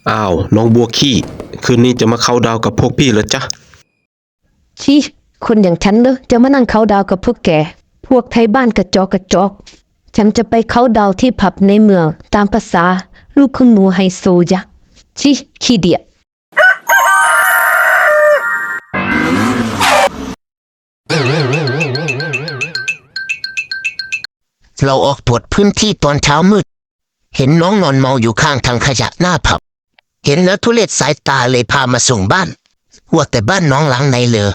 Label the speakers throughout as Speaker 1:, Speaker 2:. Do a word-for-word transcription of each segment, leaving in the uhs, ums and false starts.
Speaker 1: อ้าวน้องบัวขี้คืนนี้จะมาเข้าดาวกับพวกพี่เหรอจ๊ะ
Speaker 2: ชี้คนอย่างฉันเลยจะมานั่งเขาดาวกับพวกแกพวกไทยบ้านกระจอกกระจอกฉันจะไปเขาดาวที่ผับในเมืองตามภาษาลูกคุณหนูไฮโซจ้ะชี้ขี้เดียด
Speaker 3: เราออกตรวจพื้นที่ตอนเช้ามืดเห็นน้องนอนเมาอยู่ข้างทางขยะหน้าผับเห็นแล้วทุเรศสายตาเลยพามาส่งบ้านว่าแต่บ้านน้องหลังไหนเลย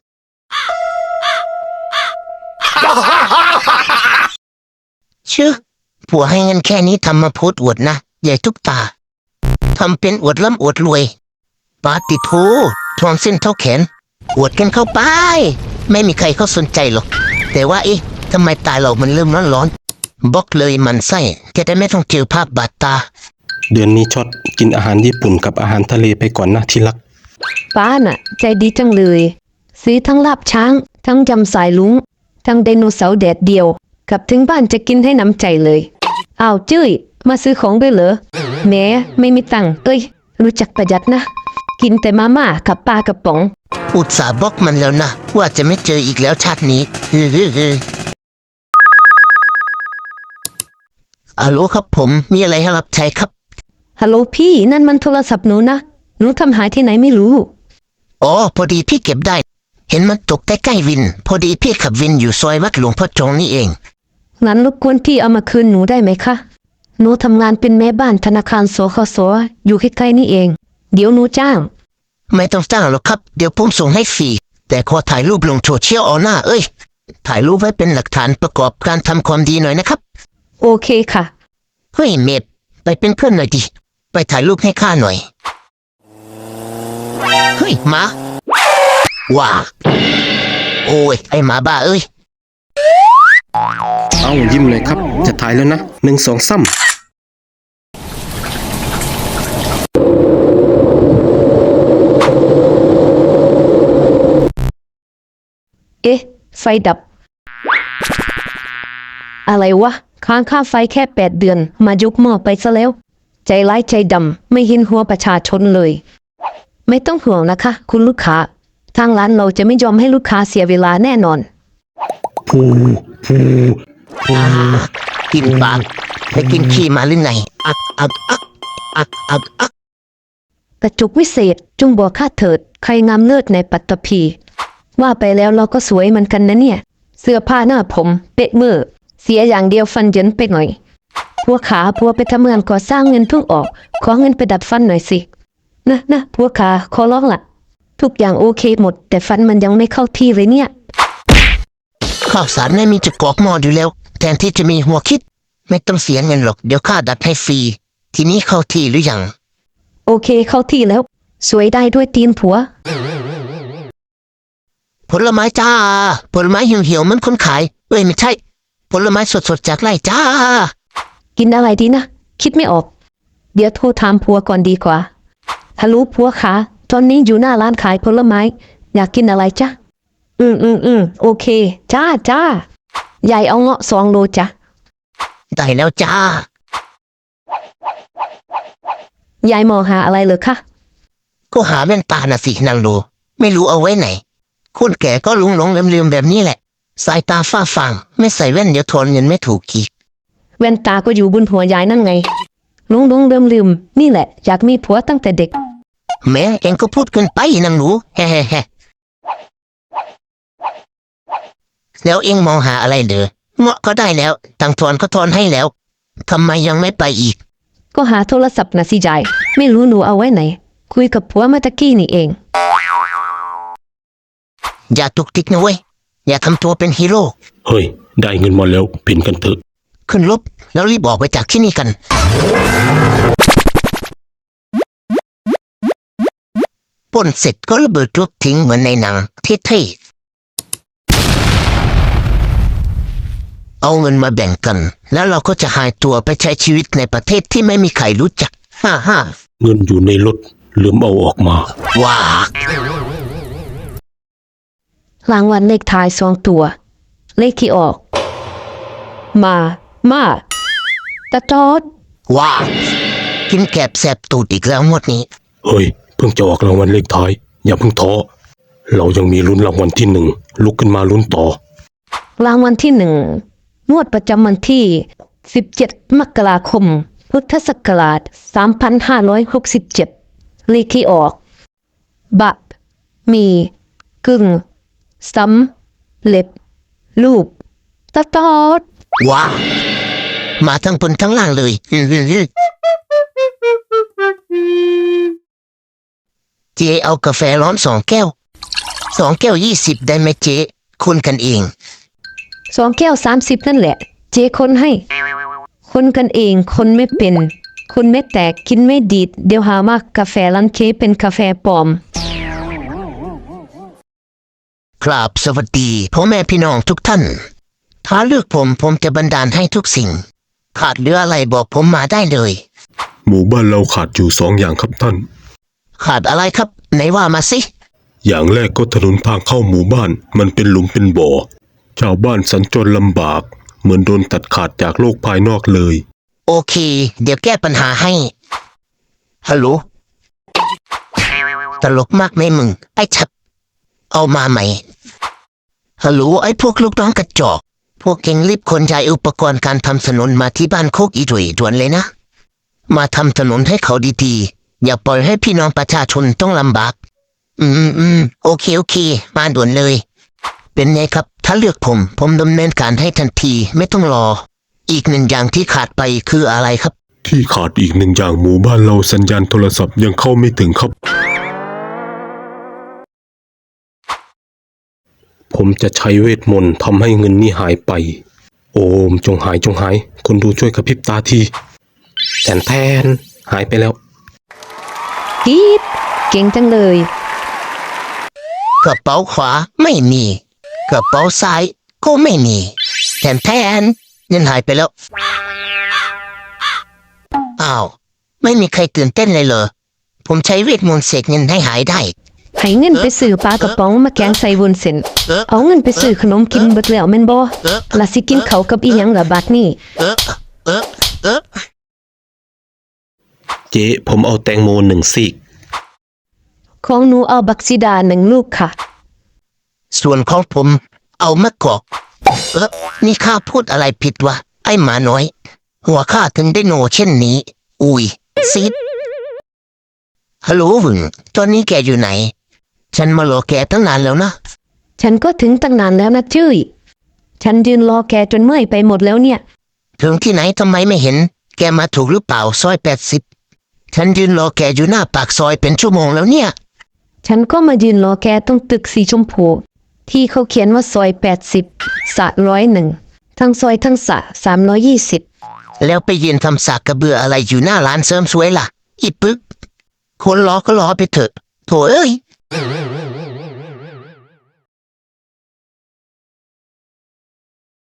Speaker 3: ชื่อผัวให้เงินแค่นี้ทำมาโพสอวดนะใหญ่ทุกตาทำเป็นอวดร่ำอวดรวยปาติโถทวงเส้นเท่าแขนอวดกันเข้าไปไม่มีใครเขาสนใจหรอกแต่ว่าเอ๊ะทำไมตาเรามันเริ่มร้อนร้อนบล็อกเลยมันไส้จะได้ไม่ต้องเจอภาพบาดตา
Speaker 1: เดือนนี้ช็อตกินอาหารญี่ปุ่นกับอาหารทะเลไปก่อนนะที่รัก
Speaker 2: ป้าน่ะใจดีจังเลยซื้อทั้งลาบช้างทั้งยำสายลุงทั้งไดโนเสาร์แดดเดียวกลับถึงบ้านจะกินให้น้ำใจเลยอ้าวจุ้ยมาซื้อของด้วยเหรอแหมไม่มีตังค์เอ้ยรู้จักประหยัดนะกินแต่มาม่ากับปลากระป๋อง
Speaker 3: อุตส่าห์บล็อกมันแล้วนะว่าจะไม่เจออีกแล้วชาตินี้ฮัลโหลครับผมมีอะไรให้รับใช้ครับ
Speaker 2: ฮัลโหลพี่นั่นมันโทรศัพท์หนูนะหนูทำหายที่ไหนไม่รู้
Speaker 3: อ๋อพอดีพี่เก็บได้เห็นมันตกใกล้ๆวินพอดีพี่ขับวินอยู่ซอยวัดหลวงพ่อจงนี่เอง
Speaker 2: งั้นรบกวนพี่เอามาคืนหนูได้ไหมคะหนูทำงานเป็นแม่บ้านธนาคารสคสอยู่ใกล้ๆนี่เองเดี๋ยวหนูจ้าง
Speaker 3: ไม่ต้องจ้างหรอกครับเดี๋ยวผมส่งให้ฟรีแต่ขอถ่ายรูปลงโซเชียลเอาหน้าเอ้ยถ่ายรูปไว้เป็นหลักฐานประกอบการทำความดีหน่อยนะครับ
Speaker 2: โอเคค่ะ
Speaker 3: เฮ้ยเมดไปเป็นเพื่อนหน่อยดิไปถ่ายรูปให้ข้าหน่อยเฮ้ยหมาว้าโอ้ยไอหมาบ้าเอ้ย
Speaker 1: เอ้ายิ้มเลยครับจะถ่ายแล้วนะหนึ่งสองซ้ำ
Speaker 2: เอ๊ะไฟดับอะไรวะค้างค่าไฟแค่แปดเดือนมายกหม้อไปซะแล้วใจร้ายใจดำไม่เห็นหัวประชาชนเลยไม่ต้องห่วงนะคะคุณลูกค้าทางร้านเราจะไม่ยอมให้ลูกค้าเสียเวลาแน่นอน
Speaker 1: พูพูพู
Speaker 3: กินปากไปกินขี้มาหรือไงอักอักอักอักอักอัก
Speaker 2: กระจุกวิเศษจุงบัวข้าเถิดใครงามเลิศในปัตตภีว่าไปแล้วเราก็สวยเหมือนกันนะเนี่ยเสื้อผ้าหน้าผมเป๊ะมือเสียอย่างเดียวฟันเยินไปหน่อยพวกขาพัวไปทำงานก่อสร้างเงินเพิ่งออกขอเงินไปดัดฟันหน่อยสินะนะพวกขาขอร้องละทุกอย่างโอเคหมดแต่ฟันมันยังไม่เข้าที่เลยเนี่ย
Speaker 3: ข้าวสารไม่มีจะกรอกหม้ออยู่แล้วแทนที่จะมีหัวคิดไม่ต้องเสียเงินหรอกเดี๋ยวข้าดัดให้ฟรีทีนี้เข้าที่หรือยัง
Speaker 2: โอเคเข้าที่แล้วสวยได้ด้วยตีนผัว
Speaker 3: ผลไม้จ้าผลไม้เหี่ยวๆมันคนขายเอ้ยไม่ใช่ผลไม้สดๆจากไร่จ้า
Speaker 2: กินอะไรดีนะคิดไม่ออกเดี๋ยวโทรถามผัวก่อนดีกว่าฮัลโหลผัวขาตอนนี้อยู่หน้าร้านขายผลไม้อยากกินอะไรจ๊ะอืมอืมอืมโอเคจ้าจ้ายายเอาเงาะสองโลจ้ะ
Speaker 3: ได้แล้วจ้าย
Speaker 2: ายมองหาอะไรเหรอคะ
Speaker 3: ก็หาแว่นตาน่ะสินางโลไม่รู้เอาไว้ไหนคนแก่ก็หลงหลงลืมลืมแบบนี้แหละสายตาฝ้าฟางไม่ใส่แว่นเดี๋ยวทนเงินไม่ถูกกีก
Speaker 2: แว่นตาก็อยู่บนหัวยายนั่นไงหลงหลงลืมลืมนี่แหละอยากมีผัวตั้งแต่เด็ก
Speaker 3: แม่เองก็พูดเกินไปนางหนูแฮ่แฮ่แฮ่แล้วเองมองหาอะไรเด้อเงาะก็ได้แล้วตังทอนก็ทอนให้แล้วทำไมยังไม่ไปอีก
Speaker 2: ก็หาโทรศัพท์นะสิยายไม่รู้หนูเอาไว้ไหนคุยกับผัวเมื่อตะกี้นี่เอง
Speaker 3: อย่าตุกติกนะเว้ยอย่าทำตัวเป็นฮีโร่
Speaker 1: เฮ้ยได้เงินมาแล้วเพ่นกันเถอะ
Speaker 3: ขึ้นรถแล้วรีบออกไปจากที่นี่กันปล้นเสร็จก็ระเบิดรถทิ้งเหมือนในหนังเท่ๆเอาเงินมาแบ่งกันแล้วเราก็จะหายตัวไปใช้ชีวิตในประเทศที่ไม่มีใครรู้จักฮ่าฮ่า
Speaker 1: เงินอยู่ในรถลืมเอาออกมา
Speaker 3: ว้าร
Speaker 2: างวัลเลขท้ายสองตัวเลขที่ออกมามาตะจอด
Speaker 3: ว้ากินแกบแสบตูดอีกแล้วงวดนี้
Speaker 1: เฮ้ยเพิ่งจะออกรางวัลเลขท้ายอย่าเพิ่งท้อเรายังมีลุ้นรางวัลที่หนึ่งลุกขึ้นมาลุ้นต่อ
Speaker 2: รางวัลที่หนึ่งงวดประจำวันที่ สิบเจ็ด มกราคม พุทธศักราช สามพันห้าร้อยหกสิบเจ็ด เลขที่ออก บะ มี กึ่ง ซ้ำ เล็บ ลูกตะตอด
Speaker 3: ว้ามาทั้งบนทั้งล่างเลย เจเอากาแฟร้อนสองแก้วสองแก้วยี่สิบได้ไหมเจคุณกันเอง
Speaker 2: สองแก้วสามสิบนั่นแหละ เจคนให้ คนกันเองคนไม่เป็น คนไม่แตกกินไม่ดีดเดี๋ยวหามากกาแฟร้านเคเป็นกาแฟปลอม
Speaker 3: ครับสวัสดีพ่อแม่พี่น้องทุกท่าน ถ้าเลือกผมผมจะบันดาลให้ทุกสิ่ง ขาดเหลืออะไรบอกผมมาได้เลย
Speaker 1: หมู่บ้านเราขาดอยู่สองอย่างครับท่าน
Speaker 3: ขาดอะไรครับไหนว่ามาสิ
Speaker 1: อย่างแรกก็ถนนทางเข้าหมู่บ้านมันเป็นหลุมเป็นบ่อชาวบ้านสัญจรลำบากเหมือนโดนตัดขาดจากโลกภายนอกเลย
Speaker 3: โอเค เดี๋ยวแก้ปัญหาให้ฮัลโหลตลกมากไหมมึงไอ้ชับเอามาใหม่ฮัลโหลไอ้พวกลูกน้องกระจอกพวกเก่งรีบขนย้ายอุปกรณ์การทำถนนมาที่บ้านโคกอีดุยด่วนเลยนะมาทำถนนให้เขาดีๆอย่าปล่อยให้พี่น้องประชาชนต้องลำบากอืมอืมโอเคโอเคมาด่วนเลย เป็นไงครับถ้าเลือกผมผมดำเนินการให้ทันทีไม่ต้องรอ อีกหนึ่งอย่างที่ขาดไปคืออะไรครับ
Speaker 1: ที่ขาดอีกหนึ่งอย่างหมู่บ้านเราสัญญาณโทรศัพท์ยังเข้าไม่ถึงครับ ผมจะใช้เวทมนต์ทำให้เงินนี่หายไป โอมจงหายจงหาย คนดูช่วยกระพริบตาทีแทนแทนหายไปแล้ว
Speaker 2: กีดเก่งจังเลย
Speaker 3: กระเป๋าขวาไม่มีกระเป๋าซ้ายก็ไม่มีแทนแทนเงินหายไปแล้วอ้าวไม่มีใครตื่นเต้นเลยเหรอผมใช้เวทมนต์เสกเงินให้หายได้
Speaker 2: ให้เงินไปซื้อปลากระป๋องมาแกงใส่วุ้นเส้นเอาเงินไปซื้อขนมกินเบิดแล้วแม่นบ่ล่ะสิกินเขาวกับอีหยังล่ะบัดนี้
Speaker 3: เออเออเออ
Speaker 1: เจ๊ผมเอาแตงโมหนึ่งซีก
Speaker 2: ของหนูเอาบักซิดาหนึ่งลูกค่ะ
Speaker 3: ส่วนของผมเอามะกอกเออนี่ข้าพูดอะไรผิดวะไอ้หมาน้อย หัวข้าถึงได้โนเช่นนี้ อุ้ยซีดฮัลโหลหวึงตอนนี้แกอยู่ไหน ฉันมารอแกตั้งนานแล้วนะ
Speaker 2: ฉันก็ถึงตั้งนานแล้วนะจุ้ยฉันยืนรอแกจนเมื่อยไปหมดแล้วเนี่ย
Speaker 3: ถึงที่ไหนทำไมไม่เห็น แกมาถูกหรือเปล่าซอยแปดสิบฉันยืนรอแกอยู่หน้าปากซอยเป็นชั่วโมงแล้วเนี่ย
Speaker 2: ฉันก็มายืนรอแกตรงตึกสีชมพูที่เขาเขียนว่าซอยแปดสิบสะร้อยหนึ่งทั้งซอยทั้งสะสามร้อยยี่สิบ
Speaker 3: แล้วไปยืนทำสากกระเบืออะไรอยู่หน้าร้านเสริมสวยล่ะ อีปึก คนรอก็รอไปเถอะ โถเอ้ย